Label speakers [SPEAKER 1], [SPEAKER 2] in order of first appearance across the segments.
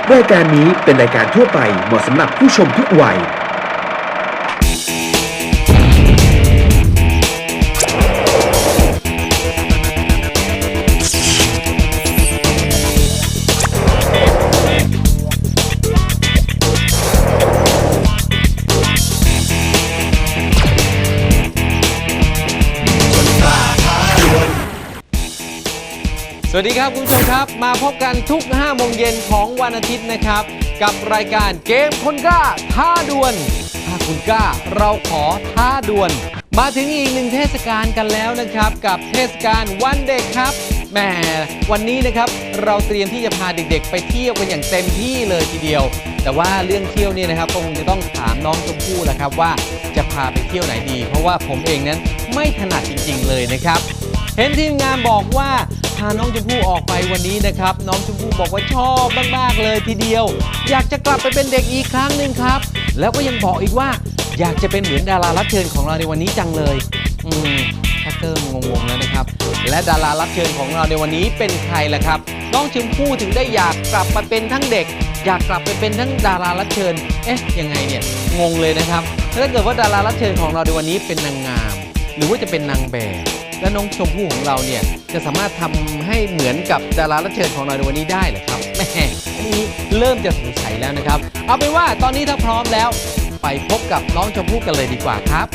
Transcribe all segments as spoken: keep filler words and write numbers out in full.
[SPEAKER 1] รายการนี้เป็นรายการทั่วไปเหมาะสำหรับผู้ชมทุกวัย
[SPEAKER 2] สวัสดีครับคุณผู้ชมครับมาพบกันทุกห้าโมงเย็นของวันอาทิตย์นะครับกับรายการเกมคนกล้าท้าดวลถ้าคุณกล้าเราขอท้าดวลมาถึงอีกหนึ่งเทศกาลกันแล้วนะครับกับเทศกาลวันเด็กครับแหมวันนี้นะครับเราเตรียมที่จะพาเด็กๆไปเที่ยวกันอย่างเต็มที่เลยทีเดียวแต่ว่าเรื่องเที่ยวเนี่ยนะครับคงจะต้องถามน้องชมพู่แหละครับว่าจะพาไปเที่ยวไหนดีเพราะว่าผมเองนั้นไม่ถนัดจริงๆเลยนะครับเห็นทีมงานบอกว่าพาน้องชมพู่ออกไปวันนี้นะครับน้องชมพู่บอกว่าชอบมากๆเลยทีเดียวอยากจะกลับไปเป็นเด็กอีกครั้งหนึ่งครับแล้วก็ยังบอกอีกว่าอยากจะเป็นเหมือนดารารับเชิญของเราในวันนี้จังเลยอืมชักเริ่มงงๆแล้วนะครับและดารารับเชิญของเราในวันนี้เป็นใครล่ะครับน้องชมพู่ถึงได้อยากกลับมาเป็นทั้งเด็กอยากกลับไปเป็นทั้งดารารับเชิญเอ๊ะยังไงเนี่ยงงเลยนะครับถ้าเกิดว่าดารารับเชิญของเราในวันนี้เป็นนางงามหรือว่าจะเป็นนางแบบและน้องชมพู่ของเราเนี่ยจะสามารถทำให้เหมือนกับดารารับเชิญของเราในวันนี้ได้เหรอครับแม่อันนี้เริ่มจะสงสัยแล้วนะครับเอาเป็นว่าตอนนี้ถ้าพร้อมแล้วไปพบกับน้องชมพู่กันเลยดีกว่าครับ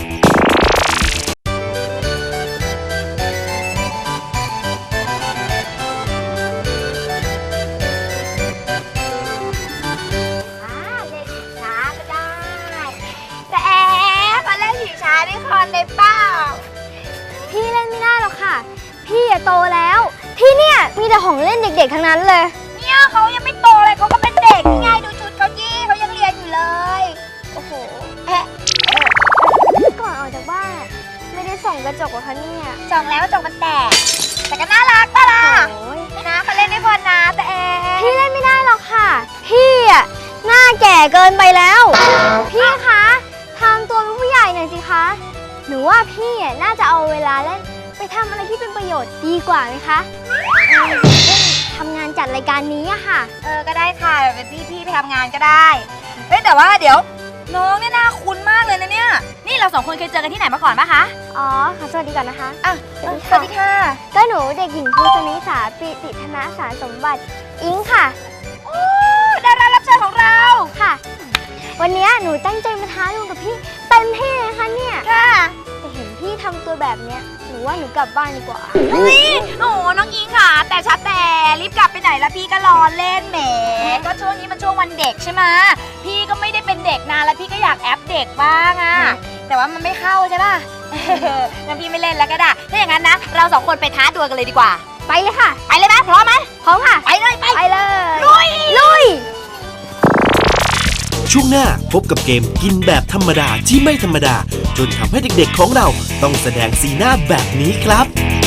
[SPEAKER 3] พี่เล่นไม่ได้หรอกค่ะพี่อะโตแล้วที่เนี่ยมีแต่ของเล่นเด็กๆทั้งนั้นเลยเนี่ยเขายังไม่โตเลยเขาก็เป็นเด็กนี่ไงดูชุดเขาจี้เขายังเรียนอยู่เลยโอ้โหแอะก่อนออกจากบ้านไม่ได้ส่องกระจกเหรอคะเนี่ยส่องแล้วกระจกมันแตกแต่ก็น่ารักป่ะล่ะนะเขาเล่นได้พอนะแต่เอพี่เล่นไม่ได้หรอกค่ะพี่อะหน้าแก่เกินไปแล้วพี่คะทำตัวเป็นผู้ใหญ่หน่อยสิคะหนูว่าพี่น่าจะเอาเวลาเล่นไปทำอะไรที่เป็นประโยชน์ดีกว่าไหมคะเช่นทำงานจัดรายการนี้อะค่ะเออก็ได้ค่ะเป็นพี่พี่ไปทำงานก็ได้เฮ้ยแต่ว่าเดี๋ยวน้องเนี่ยน่าคุ้นมากเลยนะเนี่ยนี่เราสองคนเคยเจอกันที่ไหนมาก่อนปะคะอ๋อค่ะสวัสดีก่อนนะคะอ่ะสวัสดีค่ะก็หนูเด็กหญิงภูสนิสาปิติธนสารสมบัติอิงค่ะโอ้ดารารับเชิญของเราค่ะวันนี้หนูตั้งใจมาท้าดวลกับพี่เต็มที่เลยค่ะเนี่ยค่ะแต่เห็นพี่ทำตัวแบบเนี้ยหนูว่าหนูกลับบ้านดีกว่าเฮ้ยโอ้น้องอิงค่ะแต่ชัดแต่รีบกลับไปไหนละพี่ก็รอเล่นแหมก็ช่วงนี้มันช่วงวันเด็กใช่ไหมพี่ก็ไม่ได้เป็นเด็กนานแล้วพี่ก็อยากแอปเด็กบ้างอะแต่ว่ามันไม่เข้าใช่ป่ะงั้นพี่ไม่เล่นแล้วก็ได้ถ้าอย่างนั้นนะเราสองคนไปท้าดวลกันเลยดีกว่าไปเลยค่ะไปเลยไหมพร้อมไหมพร้อมค่ะไปเลยไปไปเลยลุยลุย
[SPEAKER 1] ช่วงหน้าพบกับเกมกินแบบธรรมดาที่ไม่ธรรมดาจนทำให้เด็กๆของเราต้องแสดงสีหน้าแบบนี้ครับ